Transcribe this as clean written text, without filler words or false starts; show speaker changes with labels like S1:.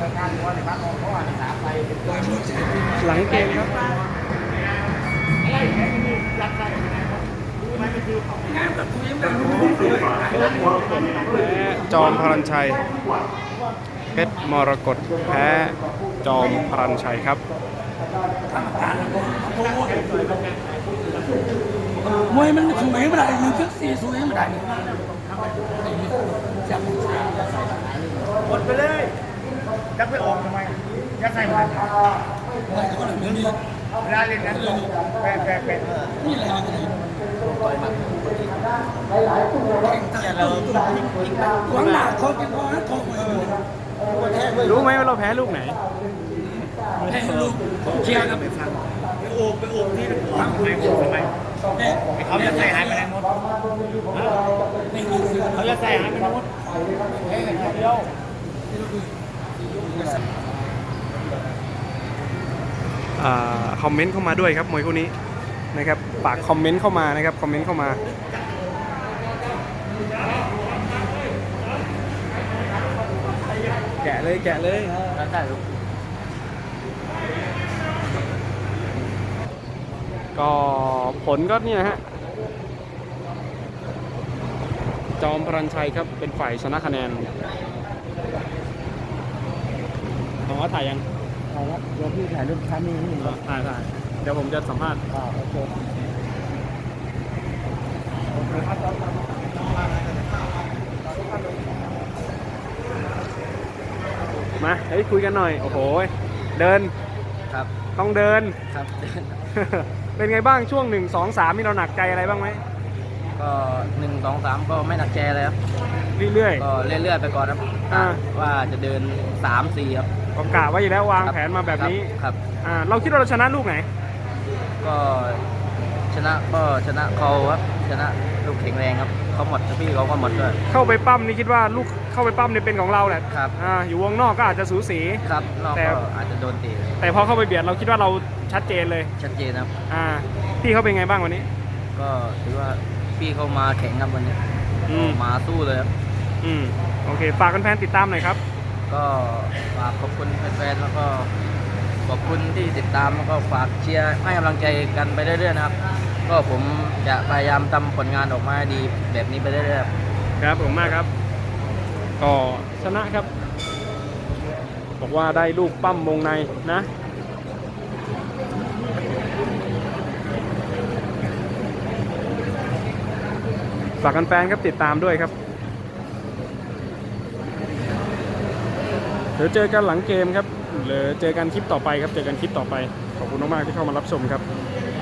S1: หลังเกมครับและจอมพลันชัยเพชรมรกตแพ้จอมพลันชัยครับ
S2: มวยมันสวยไม่ได้หนึ่งชุดสี่สวยไม่ได้
S3: หมดไปเลยยักไปออกทำไมยักใส่มา
S2: ไม่ก็เลยนี่
S3: เวลาเล่นนั้นแปะ
S2: นี่แหละหวังหนาเขาเป็นว่าทองไป
S1: รู้ไหมว่าเราแพ้ลูกไหน
S2: ให้ลูกเชียร์ครับไปฟัง
S3: ไปโอบที่ทำไมเขาจะใส่หายไปไหนหมดเขาจะใส่หายไปไหนหมดเดียว
S1: คอมเมนต์เข้ามาด้วยครับมวยคู่นี้นะครับฝากคอมเมนต์เข้ามานะครับคอมเมนต์เข้ามาแกะเลย
S3: ได้ลูก
S1: ก็ผลก็เนี่ยฮะจอมพลันชัยครับเป็นฝ่ายชนะคะแนนของว่าถ่ายยัง
S3: ครับเดี๋ยวพี่ถ่ายรูปชั้นนี้นี่
S1: ถ่ายเดี๋ยวผมจะสัมภาษณ์
S3: โอเค
S1: มาเฮ้ยคุยกันหน่อยโอ้โหเดิน
S3: ครับ
S1: ต้องเดิน
S3: ครับ
S1: เป็นไงบ้างช่วง1 2 3มีเราหนักใจอะไรบ้างไหม
S3: ก็1 2 3ก็ไม่หนักใจเลยครับ
S1: เรื่อย
S3: ก็เรื่อยๆไปก่อนครับว่าจะเดิน3 4ครับ
S1: ก็กะไว้อยู่แล้ววางแผนมาแบบนี้
S3: ครับ
S1: เราคิดว่าเราชนะลูกไหน
S3: ก็ชนะเขาครับชนะลูกแข็งแรงครับเขาหมดพี่เขาก็หมดด้วย
S1: เข้าไปปั้มนี่คิดว่าลูกเข้าไปปั้มนี่เป็นของเราแหละ
S3: ครับ
S1: อยู่วงนอกก็อาจจะสูสี
S3: ครับนอกก็อาจจะโดนตี
S1: แต่พอเข้าไปเบียดเราคิดว่าเราชัดเจนเลย
S3: ชัดเจนครับ
S1: พี่เขาเป็นไงบ้างวันนี้
S3: ก็ถือว่าพี่เขามาแข็งครับวันนี้มาสู้เลยครับ
S1: โอเคฝากแฟนๆติดตามหน่อยครับ
S3: ก็ฝากขอบคุณแฟนๆแล้วก็ขอบคุณที่ติดตามแล้วก็ฝากเชียร์ให้กำลังใจกันไปเรื่อยๆนะครับก็ผมจะพยายามทำผลงานออกมาดีแบบนี้ไปเรื่อย
S1: ๆครับผมมากครับก็ชนะครับบอกว่าได้ลูกปั้มวงในนะฝากแฟนๆครับติดตามด้วยครับเดี๋ยวเจอกันหลังเกมครับหรือเจอกันคลิปต่อไปครับเจอกันคลิปต่อไปขอบคุณมากๆที่เข้ามารับชมครับ